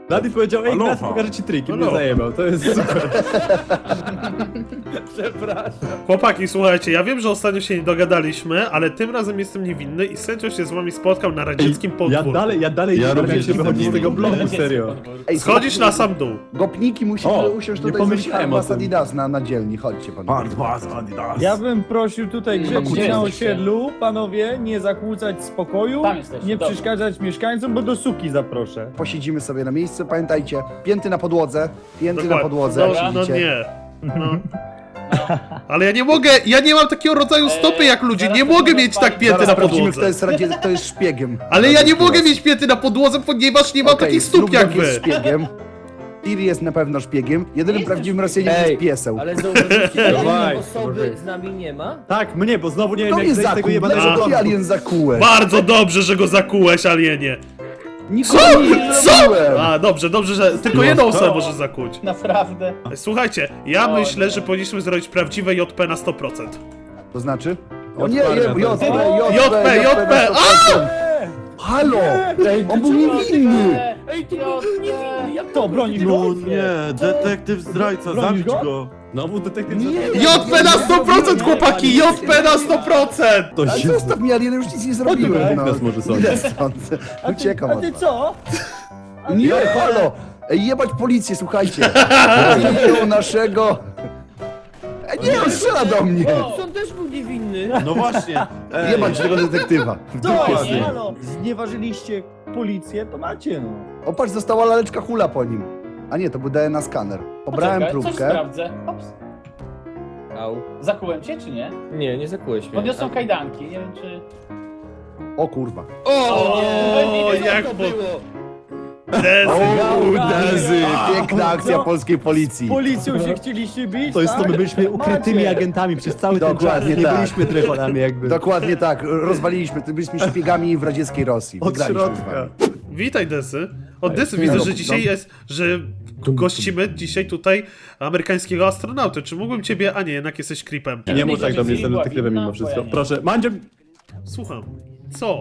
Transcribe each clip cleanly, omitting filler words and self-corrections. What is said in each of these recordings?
Blady powiedział, ej, Aloha. Ignacy, pokażę ci trik i mnie Aloha. zajebał, to jest super. Przepraszam. Chłopaki, słuchajcie, ja wiem, że ostatnio się nie dogadaliśmy, ale tym razem jestem niewinny i sędzio się z wami spotkał na radzieckim Ja podwórku. dalej Ja nie wiem, jak również się wychodzi z jestem tego niewinny. bloku, serio. Ej, Schodzisz na sam dół. Gopniki musimy O, usiąść nie tutaj pomyślałem o was tym. Adidas na dzielni, chodźcie panowie. Hardbass, Adidas. Ja bym prosił tutaj Gdzie grzecznie na jesteście? osiedlu, panowie, nie zakłócać spokoju, Tam jesteście, nie dobra. przeszkadzać mieszkańcom, bo do suki zaproszę. Posiedzimy sobie na miejscu, pamiętajcie, pięty na podłodze, pięty na Dokładnie. podłodze, No, jak no siedzicie. nie. No. Ale ja nie mogę, ja nie mam takiego rodzaju stopy jak ludzie, nie zaraz mogę to mieć tak rozpali. pięty Zaraz na sprawdzimy, kto podłodze. jest, kto jest szpiegiem. Ale ja nie mogę Radzieckiego. mieć pięty na podłodze, ponieważ nie mam Okej, takich stóp jak Snowdog jest wy. szpiegiem. Tiri jest na pewno szpiegiem. Jedynym Jestem prawdziwym szpiegiem. Rosjaninem Ej, jest pieseł. Ale zauważyliście, że Dawaj, jednej osoby dawaj. z nami nie ma? Tak, mnie, bo znowu nie wiem, To jak mnie zejść z tego zakuł, jebanego dlaczego ty bloku. alien zakułeś? Bardzo dobrze, że go zakułeś, alienie. Nikogo nie Co? zrobiłem. A, dobrze, że tylko jedną osobę może zakuć. Naprawdę. Słuchajcie, ja O myślę, nie. że powinniśmy zrobić prawdziwe JP na 100%. To znaczy? O JP, nie, JP, JP, Halo! On był niewinny! Ej, ty był niewinny, jak To broni go. No nie, detektyw zdrajca, Bronisz zabić go? go. Znowu detektyw Nie. JP na 100%, chłopaki! JP na 100%! To Ale się... zostaw mnie, alien, już nic nie zrobiłem. Jak nas może sądzić? Idę stąd. Uciekam A od ty was. co? Nie, halo! Ej, jebać policję, słuchajcie! Zabiją naszego... Ej, nie, on strzela do mnie! On też był niewinny. No właśnie. Ej, Jebać tego detektywa. To z nim. halo, znieważyliście policję, to macie no. O, patrz, została laleczka hula po nim. A nie, to był DNA skaner. Pobrałem Poczekaj, coś próbkę. sprawdzę. Ops. Au. Zakułem cię, czy nie? Nie, nie zakułeś mnie. Podniosą kajdanki, nie wiem czy... O kurwa. O, nie, jak co to po- było? Dezy, piękna akcja No. polskiej policji. Z policją się chcieliście bić, To jest to, tak? my byliśmy ukrytymi Macie. agentami przez cały ten czas, Dokładnie nie tak. byliśmy tryfonami jakby. Dokładnie tak, rozwaliliśmy, byliśmy szpiegami w radzieckiej Rosji. Od Wygraliśmy z środka. wami. Witaj, Desy. Od Desy widzę, że dzisiaj jest, że gościmy dzisiaj tutaj amerykańskiego astronauty. Czy mógłbym ciebie... A nie, jednak jesteś creepem. Nie mów tak do mnie, jestem Była detektywem winna, mimo wszystko. bo ja nie. Proszę, Mandzio... Słucham. Co?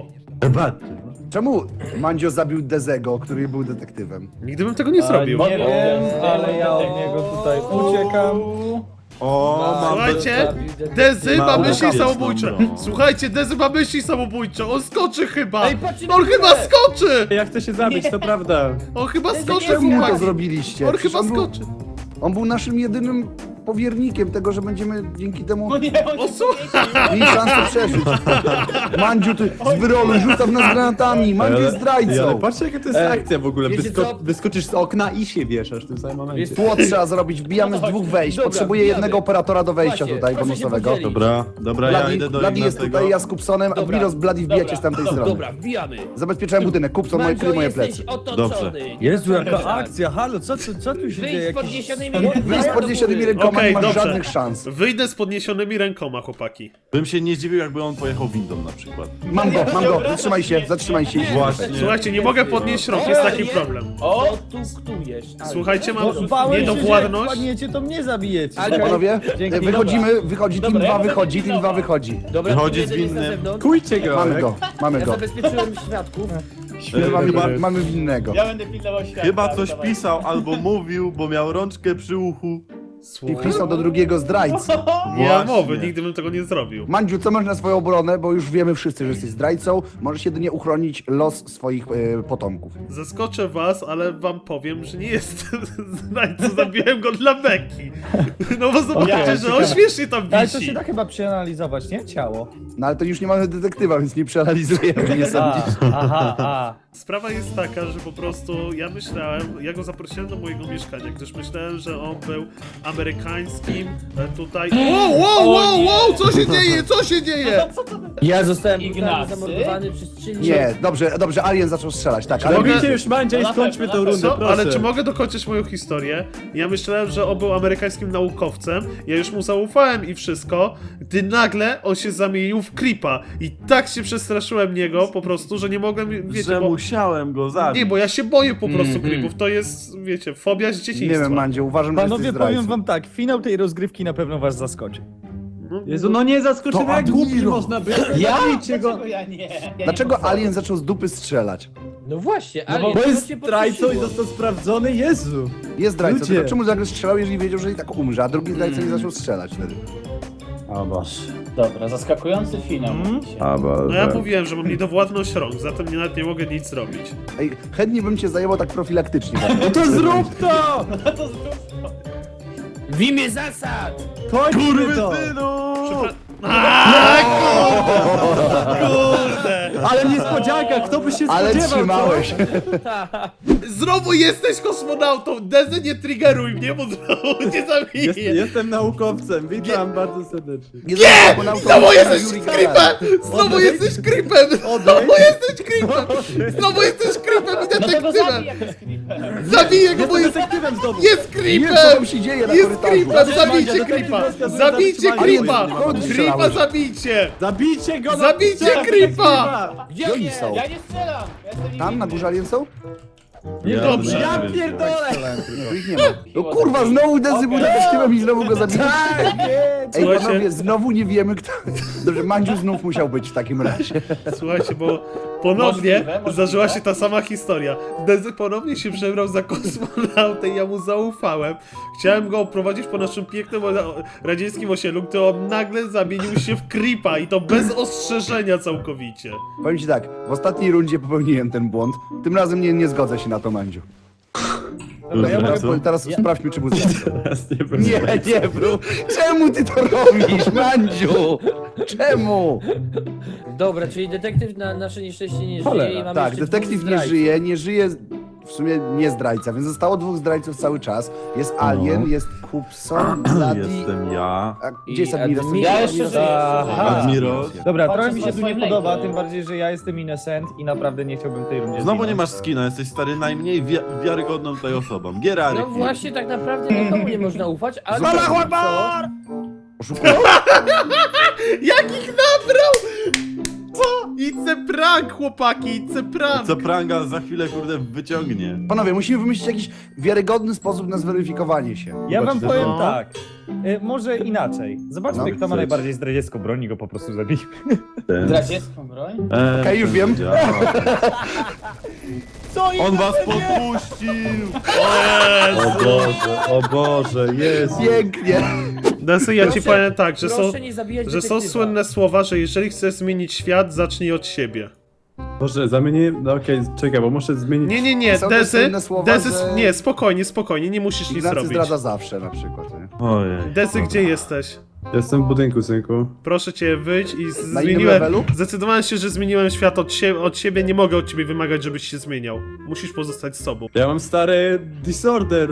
Czemu Mandzio zabił Dezego, który był detektywem? Nigdy bym tego nie zrobił. Nie wiem, ale ja od niego tutaj uciekam. O, mam... Słuchajcie, Dezy ma Mało myśli wieczną samobójcze. broń. Słuchajcie, Dezy ma myśli samobójcze. On skoczy chyba. Ej, patrzcie On na chyba górę. skoczy. Ja chcę się zabić, to prawda. On chyba skoczy, Czemu mu to chłopaki. zrobiliście? On Przecież chyba był- skoczy. On był naszym jedynym powiernikiem tego, że będziemy dzięki temu No nie, on O, się słuchaj. mieli szansę przeżyć. Mandziu, ty z wyrolu, rzuca w nas granatami, Mandziu jest Ale zdrajcą. patrzcie jaka to jest akcja w ogóle. wiecie co? Wyskoczysz z okna i się wieszasz w tym samym momencie. Wiesz- Tło trzeba zrobić, wbijamy z dwóch wejść. Dobra, Potrzebuję wbijamy. jednego operatora do wejścia Właśnie, tutaj, proszę się bonusowego. podzielić. Dobra, ja idę do Bladi jest Ignacego. tutaj, ja z Kupsonem, a Dobra. Admiros Bladi wbijacie z tamtej strony. Dobra, wbijamy. Zabezpieczałem budynek, Kupson, Mandzio, moje jesteś plecy. otoczony. Dobrze. Jezu, jaka akcja, halo, co tu się dzieje? Wyjdź z Jakiś- podniesionymi Wyjdź z podniesionymi rękoma, Okej, nie masz dobrze. żadnych szans. Wyjdę z podniesionymi rękoma, chłopaki. Bym się nie zdziwił, jakby on pojechał windą na przykład. Mam go, zatrzymaj się. Właśnie. Słuchajcie, nie mogę podnieść rąk, jest taki problem. O! O, tu ktujesz. Słuchajcie, mam No, bałem się, że jak niedowładność. wpadniecie, to mnie zabijecie. Ale Panowie, Dzięki. wychodzimy, wychodzi, team Dobra, 2 ja będę wychodzi, team 2 pilnował. wychodzi. Dobra, Wychodzi jeden z jest na winnym. zewnątrz. Kujcie go! Mamy go, mamy Ja go. zabezpieczyłem świadków. Mamy winnego. Ja będę pilnował świata. Chyba coś dawaj. pisał albo mówił, bo miał rączkę przy uchu. I Słuchaj, pisał do drugiego zdrajcy. nie mam Właśnie. mowy, nigdy bym tego nie zrobił. Mandziu, co masz na swoją obronę, bo już wiemy wszyscy, że jesteś zdrajcą. Możesz jedynie uchronić los swoich potomków. Zaskoczę was, ale wam powiem, że nie jestem zdrajcą, zabiłem go dla beki. No bo zobaczycie, że on śmiesznie tam Ale to wisi. się da chyba przeanalizować, nie? Ciało. No ale to już nie mamy detektywa, więc nie przeanalizujemy, nie A, sądzisz? aha. Sprawa jest taka, że po prostu ja myślałem, ja go zaprosiłem do mojego mieszkania, gdyż myślałem, że on był amerykańskim tutaj... Wow, co się dzieje, co się dzieje? Ja zostałem brutalnie Ignacy? zamordowany przez 3 Nie, dobrze, Alien zaczął strzelać, tak, ale... Mogę- Robicie już Mandzia i No na skończmy pewno, tę na rundę, Co? proszę. Ale czy mogę dokończyć moją historię? Ja myślałem, że on był amerykańskim naukowcem, ja już mu zaufałem i wszystko, gdy nagle on się zamienił w creepa. I tak się przestraszyłem niego po prostu, że nie mogłem, wiecie, Że bo... musiałem go zabić. Nie, bo ja się boję po prostu creepów, to jest, wiecie, fobia z Nie dzieciństwa. wiem, Mandziu, uważam, że Panowie, jesteś powiem zdrajcą. wam tak, finał tej rozgrywki na pewno was zaskoczy. Jezu, no nie zaskoczymy, To jak głupi Admiro. można być. Ja? Zabijcie go. Dlaczego ja nie? Ja Dlaczego nie Alien zaczął z dupy strzelać? No właśnie, No ale bo to jest cię zdrajcą i podkreśliło. został sprawdzony, Jezu. Jest zdrajcą, Ludzie. tylko czemu nagle strzelał, jeżeli wiedział, że i tak umrze, a drugi zdrajca nie zaczął strzelać wtedy? O Boże. Dobra, zaskakujący finał. mówicie. O Boże. No ja mówiłem, że mam niedowładność rąk, zatem nawet nie mogę nic zrobić. Ej, chętnie bym cię zajęło tak profilaktycznie. No to zrób to! To zrób to. W imię zasad! Kończmy to! Kurde! Ale niespodzianka, kto by się Ale spodziewał, trzymałeś. Znowu jesteś kosmonautą! Dezy, nie triggeruj mnie, bo znowu cię zabiję! Jestem naukowcem, witam bardzo serdecznie. Nie! Znowu jesteś creepem! Znowu jesteś creepem! Znowu jesteś creepem! Znowu jesteś creepem i No to go detektywem! zabij jakoś creepem. Zabiję go, bo Jestem jest... detektywem znowu. Jest Nie wiem, co creepem! tam się dzieje na Jest korytarzu. creepem! Zabijcie Detektyw creepa! rozkazuje Zabijcie zatrzymanie. creepa! Kogo ty Creepa strzelałeś? zabijcie! Zabijcie go! Zabijcie strzelam creepa! detektywa! Gdzie Gdzie on oni jest? są? Ja nie strzelam! Ja jestem Tam na górze alien są? Dobrze. Ja pierdolę! No ich nie ma. No kurwa, znowu Dezy był detektywem i znowu go zabiłem. Ej, Słuchajcie. panowie, znowu nie wiemy kto... Dobrze, Mandziu znów musiał być w takim razie. Słuchajcie, bo ponownie Możliwe. zdarzyła się ta sama historia. Dezy ponownie się przebrał za kosmonautę i ja mu zaufałem. Chciałem go oprowadzić po naszym pięknym radzieckim osiedlu, gdy on nagle zamienił się w creepa i to bez ostrzeżenia całkowicie. Powiem ci tak, w ostatniej rundzie popełniłem ten błąd. Tym razem nie zgodzę się na to, Mandziu. Dobra, ja Co? mogę, teraz sprawdźmy, czy był Teraz nie będzie. Nie, bro. Czemu ty to robisz, Mandziu? Czemu? Dobra, czyli detektyw na nasze nieszczęście nie Cholera. żyje i mamy Tak, jeszcze detektyw dwóch nie zdrajców. nie żyje w sumie nie zdrajca, więc zostało dwóch zdrajców cały czas. Jest Alien, jest Kupson, Bloody... Jestem ja. A gdzie jest I Admiros? Admiros. Ja jeszcze żyję. Aha. Admiros. Dobra, Patrzę trochę mi się na tu nie swoim podoba, lejku. tym bardziej, że ja jestem innocent i naprawdę nie chciałbym tej rundzie Znowu nie zginąć. masz skina, jesteś stary najmniej wiarygodną tutaj osobą. Gierary. No właśnie, tak naprawdę nikomu nie można ufać, ale... Allahu Oszukują? Jakich nabrał? Co? It's a prank, chłopaki, it's a prank. Co pranga za chwilę kurde wyciągnie. Panowie, musimy wymyślić jakiś wiarygodny sposób na zweryfikowanie się. Ja wam Zobaczcie, powiem no. tak. Może inaczej. Zobaczmy, No, kto ma chcecie. najbardziej zdradziecką broń i go po prostu zabij. Zdradziecką broń? Okej, już wiem. On was podpuścił! O Boże, jest. Pięknie. Desy, ja ci powiem tak, że są... Proszę nie zabijać Że są detektywa. słynne słowa, że jeżeli chcesz zmienić świat, zacznij od siebie. Boże, zamienię... No okej, czekaj, bo muszę zmienić... Nie, Są też Dezy, słynne słowa, Dezy, że- nie, spokojnie, nie musisz nic Ignacy robić. zdradza zawsze na przykład. Nie? Ojej. Dezy, gdzie jesteś? Jestem w budynku, synku. Proszę cię, wyjdź i Na innym zmieniłem... levelu? Zdecydowałem się, że zmieniłem świat od siebie, nie mogę od ciebie wymagać, żebyś się zmieniał. Musisz pozostać sobą. Ja mam stary disorder.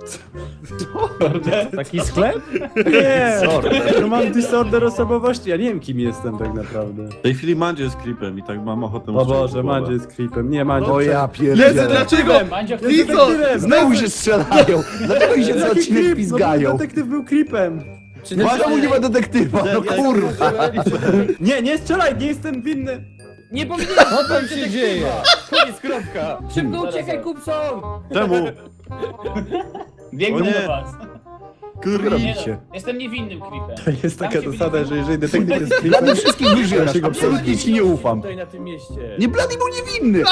Taki sklep? Nie! Ja mam disorder osobowości, ja nie wiem kim jestem tak naprawdę. W tej chwili Mandzie jest creepem i tak mam ochotę mu O strzelić w Boże, głowę. Mandzie jest creepem. Nie, Mandzie... O ja Dezy, pierdzielę. dlaczego? Mandzio, Jest Lizo! detektywem! Znowu się strzelają. Dlaczego mi się co Jaki odcinek creep? pizgają? No, detektyw był creepem. Czy Czemu nie ma detektywa? No kurwa. Nie strzelaj, nie jestem winny. Nie powinieneś Co tam się dzieje? Koniec, kropka. Szybko uciekaj, Kupson! Czemu? biegną O nie. do was. Kurde. Robicie. Jestem niewinnym creepem. To jest taka Tam się zasada, byli- że jeżeli detektyw jest Dla creepem... mnie wszystkich wyżywasz, absolutnie ci nie ufam. Tutaj na tym mieście. Nie, Bloody był niewinny.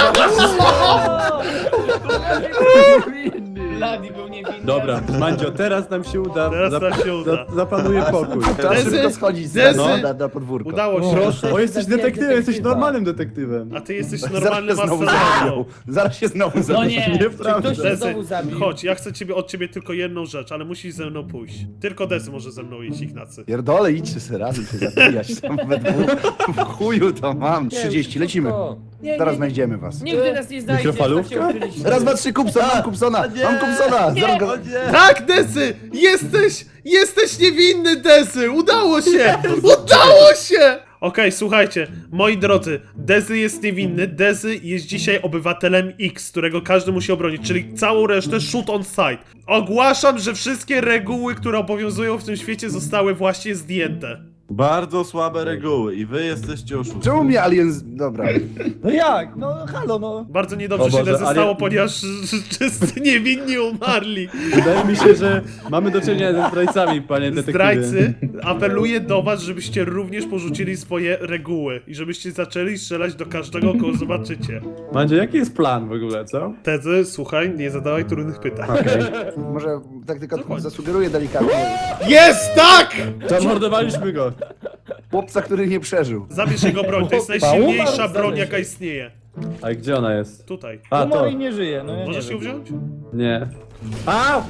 Blady był niewinny. Dobra, Mandzio, teraz nam się uda. Teraz nam się uda. Zapanuje pokój. Trzeba Dezy, szybko schodzić z Dezy. na podwórko. Udało się. Proszę. O, jesteś Zabijaj detektywem, jesteś detektywa. normalnym detektywem. A ty jesteś Zaraz normalnym się znowu astronautą. zabiją. Zaraz się znowu zabiją. No nie. Czy Nieprawda. ktoś się Dezy, znowu zabił? chodź, ja chcę od ciebie tylko jedną rzecz, ale musisz ze mną pójść. Tylko Dezy może ze mną iść, Ignacy. Pierdolę, idźcie sobie razem się zabijać tam we dwóch. W chuju to mam. 30, lecimy. Nie, Zaraz nie, znajdziemy was. Nigdy nas nie znajdziesz, Mikrofalówka? tak się ukryliśmy. Raz, dwa, trzy, Kupson, mam Kupsona, mam Kupsona. Zaraz go... Tak, Dezy! Jesteś niewinny, Dezy! Udało się! Udało się! Okej, słuchajcie, moi drodzy, Dezy jest niewinny, Dezy jest dzisiaj obywatelem X, którego każdy musi obronić, czyli całą resztę shoot on sight. Ogłaszam, że wszystkie reguły, które obowiązują w tym świecie zostały właśnie zdjęte. Bardzo słabe reguły i wy jesteście oszustami. Czemu mnie alien... Dobra. No jak? No halo, no. Bardzo niedobrze O się Boże, stało, ale- ponieważ wszyscy niewinni umarli. Wydaje mi się, że mamy do czynienia ze zdrajcami, panie detektywie. Zdrajcy, apeluję do was, żebyście również porzucili swoje reguły i żebyście zaczęli strzelać do każdego, kogo zobaczycie. Mandzio, jaki jest plan w ogóle, co? Tezy, słuchaj, nie zadawaj trudnych pytań. Może tak tylko zasugeruję delikatnie. Jest, tak! Zamordowaliśmy go. Chłopca, który nie przeżył. Zabierz jego broń, to jest najsilniejsza broń, jaka istnieje. A gdzie ona jest? Tutaj. A, Umarł to. i nie żyje, no ja Możesz nie ją wiem. wziąć? Nie. A!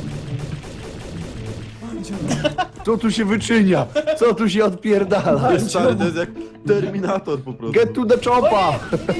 Co tu się wyczynia? Co tu się odpierdala? Stary, to jest jak Terminator po prostu. Get to the chopa!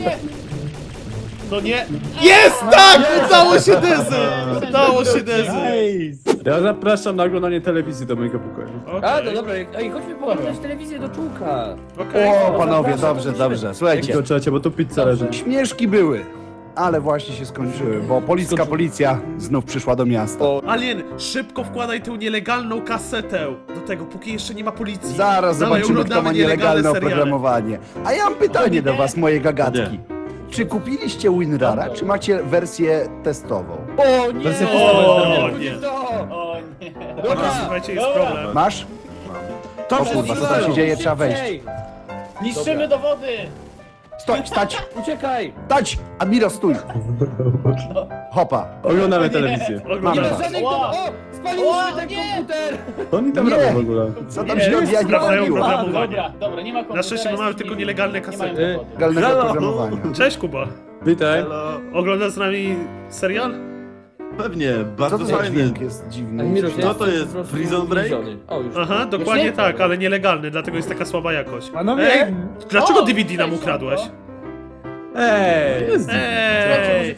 No nie. Jest, tak! Udało się Dezy! Udało się Dezy! Nice. Ja zapraszam na oglądanie telewizji do mojego pokoju. A, Okej, to dobra, ej, chodźmy pooglądać telewizję do czółka. okej. O, panowie, dobrze, dobrze. Słuchajcie, Tylko czekajcie, bo tu pizza leży. śmieszki były, ale właśnie się skończyły, bo policka policja znów przyszła do miasta. Alien, szybko wkładaj tę nielegalną kasetę do tego, póki jeszcze nie ma policji. Zaraz Dawaj, zobaczymy, kto ma oglądamy nielegalne seriale. oprogramowanie. A ja mam pytanie do was, moje gagatki. Nie. Czy kupiliście WinRara, czy macie wersję testową? O nie! O nie. To! O nie. Dobra, słuchajcie, jest Dobra. problem. Masz? O kurwa, co tam się dzieje? Trzeba wejść. Ej, Niszczymy dowody! Stoj, stać, uciekaj! stać! Admiro, stój! Hopa. Oglądamy telewizję. Nie Oglądamy. ma żadnej Ła. O! Spaliliśmy Ła, ten nie. komputer! To oni tam Nie. robią w ogóle. Co tam się odjadnie Sprawdzają robiło? programowanie. Dobra, dobra, nie ma komputera. Na szczęście my mamy tylko nielegalne Nie mają kasety. dowody. Legalnego Halo. oprogramowania. Cześć Kuba. Witaj. Hello. Oglądasz z nami serial? Pewnie, Co bardzo to za fajny. dźwięk jest dziwny? Admiro, Co to jest? po prostu Prison Break? zbliżony. O, już. Aha, dokładnie nie? tak, ale nielegalny, dlatego jest taka słaba jakość. Panowie, Ej, dlaczego O, DVD nam cześć, ukradłeś? Sandro. Ej! Ej!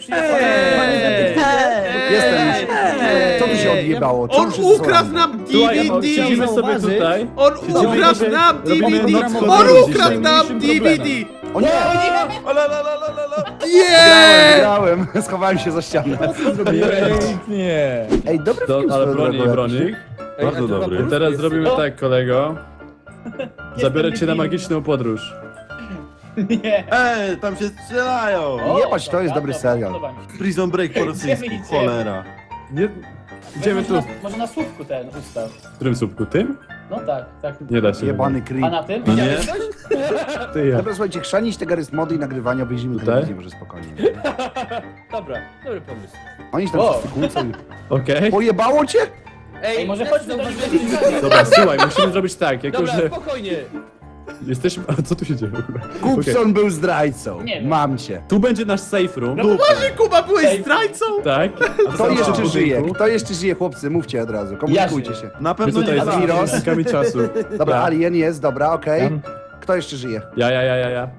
Jestem już. Co tu się odjebało? Czemu On wszyscy są ukradł ranni? nam Słuchaj, DVD! siedzimy sobie tutaj. On Siedzimy ukradł sobie, nam robimy DVD! noc On horroru ukradł dzisiaj. nam Najmniejszym DVD! O nie! O, la, la, la, la, la, la. Nie! Grałem, schowałem się za ścianę. pięknie. Ej, dobry Do, film ale swoją broni, drogą broni. Ej, Bardzo a to dobry. na polsku Teraz jest. zrobimy O. tak, kolego. Zabiorę cię na Jestem magiczną podróż. Nie. Ej, tam się strzelają! O, Jebać, to jest dobry dobra, serial. podoba mi się. Prison Break po rosyjsku, Idziemy. cholera. Nie... Idziemy tu. Może na słupku ten ustaw. W którym słupku? Tym? No tak, tak. Nie da się. Jebany A creep. na tym? No nie? Ty ja. Dobra, słuchajcie, chrzanić te gary z mody i nagrywania, obejrzymy Tutaj? telewizję może spokojnie. Dobra, dobry pomysł. Oni się tam Wow. wszyscy kłócą. i- Okej. Pojebało cię? Ej, może też chodźmy do zauważyłem, nich. że- Dobra, słuchaj, musimy zrobić tak, jako Dobra, że spokojnie. jesteśmy... A co tu się dzieje w ogóle? Kupson był zdrajcą. Nie wiem. Mam cię. Tu będzie nasz safe room. No poważnie, Kuba, byłeś Ej. zdrajcą? Tak. Kto jeszcze budynku. żyje? Kto jeszcze żyje, chłopcy? Mówcie od razu, komunikujcie się. Na My pewno tutaj nie jesteśmy Admiros. uczestnikami czasu. Dobra, Ja. Alien jest, dobra, okej. Ja. Kto jeszcze żyje? Ja. Ja.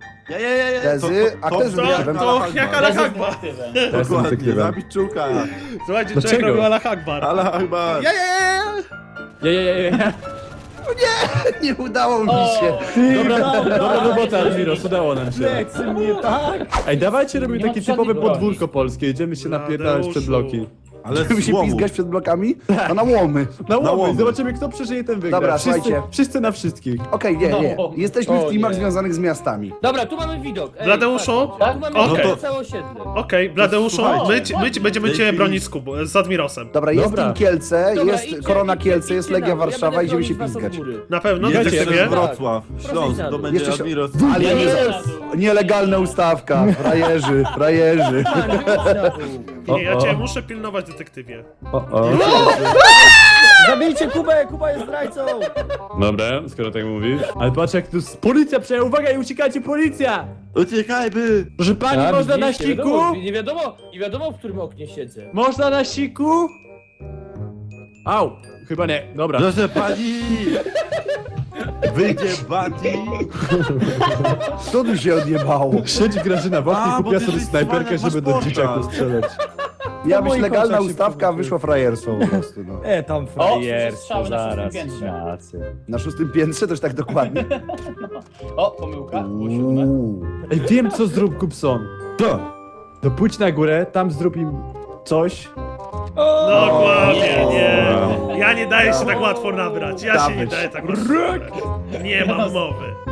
Tezy, a kto jest To, detektywem? to jak Allah Razem z Akbar. detektywem. Ja jestem Dokładnie, detektywem. zabić czuka. Słuchajcie, Dlaczego? człowiek robił Allah Akbar. Ale chyba... Ja. Ja. Nie udało mi się. Dobra robota, Admiros, udało nam się. Plecy mnie tak. Ej, dawajcie robimy Nie ma takie żadnej typowe broni. podwórko polskie, idziemy się napierdalać przed bloki. Ale Żeby się złomu. pizgać przed blokami? To na łomy. Na łomy, łomy. zobaczymy kto przeżyje, ten wygra. Dobra, wszyscy, słuchajcie. wszyscy na wszystkich. Okej, nie. No. Jesteśmy w O, teamach nie. związanych z miastami. Dobra, tu mamy widok. Ej, Bladeuszu? patrz, tu mamy Okej. widok całe osiedle. Okej, Bladeuszu, Słuchajcie. my będziemy W tej cię chwili- bronić z Admirosem. Dobra, jest Dobra. Team Kielce, Dobra, jest idźcie, Korona idźcie, Kielce, jest idźcie Legia na dół. Ja Warszawa, będę idziemy się bronić was od pizgać. góry. Na pewno? Jedziecie, Jedziesz nie? też Wrocław, Proszę Śląsk, na to dół. będzie Jeszcze się- Admiros. Ale Nie, jest nie. nielegalna ustawka. Frajerzy, frajerzy. Nie, ja O, cię o. muszę pilnować, detektywie. O. Zabijcie Kubę, Kuba jest zdrajcą. Dobra, skoro tak mówisz. Ale patrz jak tu policja przejęła, uwaga i uciekajcie, policja! Uciekajmy! Proszę pani, A, można na widzisz, siku? Nie wiadomo, w którym oknie siedzę. Można na siku? Au, chyba nie, dobra. Proszę pani! Wyjdzie Bati! Co tu się odjebało? Siedzi Grażyna w oknie, A, bo kupiła ty sobie jesteś snajperkę, cwaniak, żeby do masz dzieciaków portal. strzelać. Miała być moich legalna oczach się ustawka, a powróciło. wyszło frajerstwo po prostu. No. Tam strzały frajerstwo, na szóstym zaraz. piętrze. Ignacy. Na 6. piętrze to już tak dokładnie. O, pomyłka, było 7. Ej, wiem co zrób Kupson. To! No pójdź na górę, tam zrób im coś. Dokładnie, nie. Ja nie daję się tak łatwo nabrać. Ja się nie daję tak łatwo nabrać. Nie mam mowy.